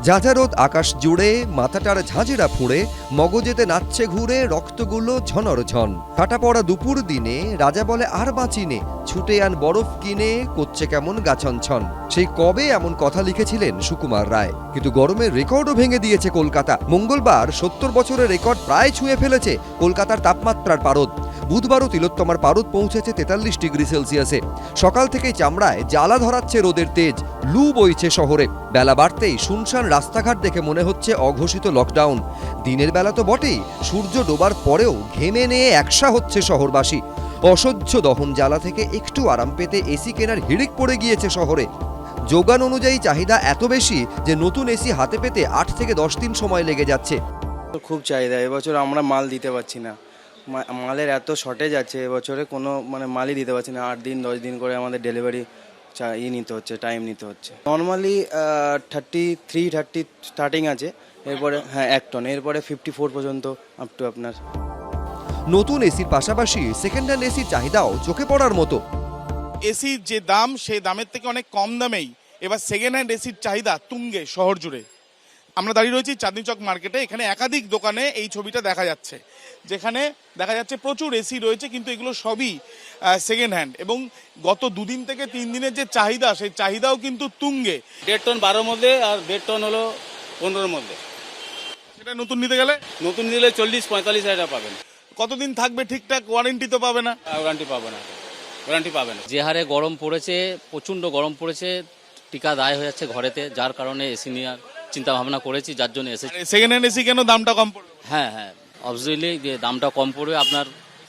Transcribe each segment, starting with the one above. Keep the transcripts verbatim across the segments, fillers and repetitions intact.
ঝাঁঝারোদ আকাশ জুড়ে, মাথাটার ঝাঁঝেরা ফুঁড়ে, মগজেতে নাচছে ঘুরে রক্তগুলো ঝনর ঝন। কাটা পড়া দুপুর দিনে রাজা বলে আর বাঁচিনে, ছুটে আন বরফ কিনে, করছে কেমন গাছনছন। সেই কবে এমন কথা লিখেছিলেন সুকুমার রায়, কিন্তু গরমের রেকর্ডও ভেঙে দিয়েছে কলকাতা। মঙ্গলবার সত্তর বছরের রেকর্ড প্রায় ছুঁয়ে ফেলেছে কলকাতার তাপমাত্রার পারদ। বুধবারও তিলোত্তমার পারদ পৌঁছেছে তেতাল্লিশ ডিগ্রি সেলসিয়াসে। সকাল থেকেই চামড়ায় জ্বালা ধরাচ্ছে রোদের তেজ, লু বইছে শহরে। বেলা বাড়তেই শুনশান রাস্তাঘাট দেখে মনে হচ্ছে অঘোষিত লকডাউন। দিনের বেলা তো বটেই, সূর্য ডোবার পরেও ঘেমে নিয়ে একসা হচ্ছে শহরবাসী। অসহ্য দহন জ্বালা থেকে একটু আরাম পেতে এসি কেনার হিড়িক পড়ে গিয়েছে শহরে। যোগান অনুযায়ী চাহিদা এত বেশি যে নতুন এসি হাতে পেতে আট থেকে দশ দিন সময় লেগে যাচ্ছে। খুব চাহিদা, এবছর আমরা মাল দিতে পারছি না। মালের এত শর্টেজ আছে এবছরে, কোনো মানে মালই দিতে পারছি না। আট দিন দশ দিন করে আমাদের ডেলিভারি ই নিতে হচ্ছে, টাইম নিতে হচ্ছে। Normally thirty three thirty starting আছে, এরপরে হ্যাঁ এক টন, এরপরে ফিফটি ফোর পর্যন্ত আপ টু আপনার। নতুন এসির পাশাপাশি সেকেন্ড হ্যান্ড এসির চাহিদাও চোখে পড়ার মতো। এসির যে দাম, সেই দামের থেকে অনেক কম দামেই এবার সেকেন্ড হ্যান্ড এসির চাহিদা তুঙ্গে শহর জুড়ে। আমরা দাঁড়িয়ে রয়েছি চাঁদনি চক মার্কেটে। এখানে একাধিক দোকানে এই ছবিটা দেখা যাচ্ছে, যেখানে দেখা যাচ্ছে প্রচুর এসি রয়েছে, কিন্তু এগুলো সবই সেকেন্ড হ্যান্ড। এবং গত দুদিন থেকে তিন দিনের যে চাহিদা, সেই চাহিদাও কিন্তু তুঙ্গে। দেড় টন বারোর মধ্যে আর দেড় টন হলো পনেরোর মধ্যে। সেটা নতুন নিতে গেলে নতুন নিলে চল্লিশ পঁয়তাল্লিশ হাজার পাবেন। কতদিন থাকবে ঠিকঠাক? ওয়ারেন্টি তো পাবে না। ওয়ারেন্টি পাবে না, ওয়ারেন্টি পাবে না। যে হারে গরম পড়েছে, প্রচণ্ড গরম পড়েছে, টিকা দায় হয়ে যাচ্ছে ঘরেতে, যার কারণে এসি নেওয়ার চিন্তা ভাবনা করেছি, যার জন্য এসে। সেকেন্ড হ্যান্ড এসি কেন দামটা কম পড়বে? হ্যাঁ হ্যাঁ অবভিয়াসলি যে দামটা কম পড়বে, আপনার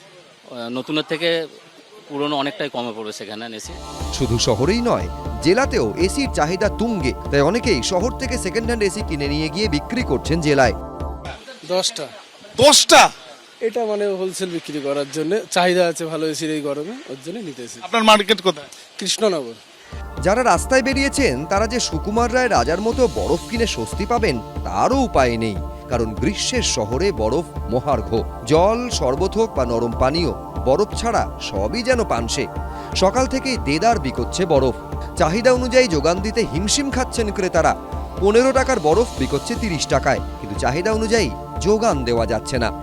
নতুনের থেকে পুরনো অনেকটাই কমে পড়বে সেকেন্ড হ্যান্ড এসি। শুধু শহরেই নয়, জেলাতেও এসির চাহিদা তুঙ্গে। তাই অনেকেই শহর থেকে সেকেন্ড হ্যান্ড এসি কিনে নিয়ে গিয়ে বিক্রি করছেন জেলায়। দশটা দশটা এটা মানে হোলসেল বিক্রি করার জন্য চাহিদা আছে ভালো এসির এই গরমে, ওর জন্য নিতেছি। আপনার মার্কেট কোথায়? কৃষ্ণনগর। যারা রাস্তায় বেরিয়েছেন তারা যে সুকুমার রায় রাজার মতো বরফ কিনে স্বস্তি পাবেন তারও উপায় নেই, কারণ গ্রীষ্মের শহরে বরফ মহার্ঘ। জল, শরবত হোক বা নরম পানীয়, বরফ ছাড়া সবই যেন পানসে। সকাল থেকেই দেদার বিকোচ্ছে বরফ। চাহিদা অনুযায়ী যোগান দিতে হিমশিম খাচ্ছেন ক্রেতারা। পনেরো টাকার বরফ বিকোচ্ছে তিরিশ টাকায়, কিন্তু চাহিদা অনুযায়ী যোগান দেওয়া যাচ্ছে না।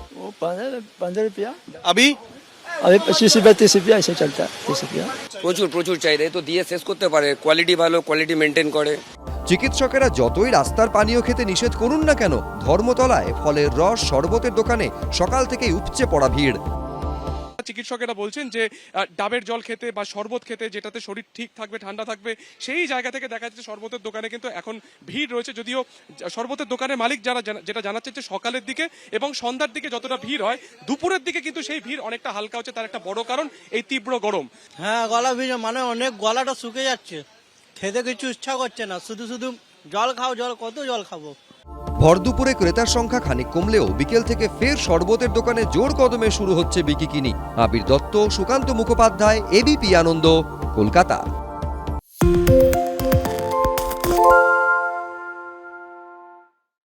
আবি अभी पच्चीस रुपया तीस रुपया ऐसे चलता है, तीस रुपया। প্রচুর প্রচুর চাহিদা, তো দিয়ে শেষ করতে পারে। কোয়ালিটি ভালো, কোয়ালিটি মেনটেন করে। চিকিৎসকেরা যতই রাস্তার পানীয় খেতে নিষেধ করুন না কেন, ধর্মতলায় ফলের রস, শরবতের দোকানে সকাল থেকেই উপচে পড়া ভিড়। চিকিৎসকেরা বলছেন যে ডাবের জল খেতে বা শরবত খেতে, যেটাতে শরীর ঠিক থাকবে, ঠান্ডা থাকবে, সেই জায়গা থেকে দেখা যাচ্ছে শরবতের দোকানে কিন্তু এখন ভিড় রয়েছে। যদিও শরবতের দোকানের মালিক যারা যেটা জানাচ্ছে যে সকালের দিকে এবং সন্ধ্যার দিকে যতটা ভিড় হয়, দুপুরের দিকে কিন্তু সেই ভিড় অনেকটা হালকা হচ্ছে। তার একটা বড় কারণ এই তীব্র গরম। হ্যাঁ, গলা ভিজে, মানে অনেক গলাটা শুকে যাচ্ছে, খেতে কিছু ইচ্ছা করছে না, শুধু শুধু জল খাও জল, কত জল খাবো। ভর দুপুরে ক্রেতার সংখ্যা খানিক কমলেও বিকেল থেকে ফের শরবতের দোকানে জোর কদমে শুরু হচ্ছে বিকিকিনি। আবির দত্ত, সুকান্ত মুখোপাধ্যায়, এবিপি আনন্দ, কলকাতা।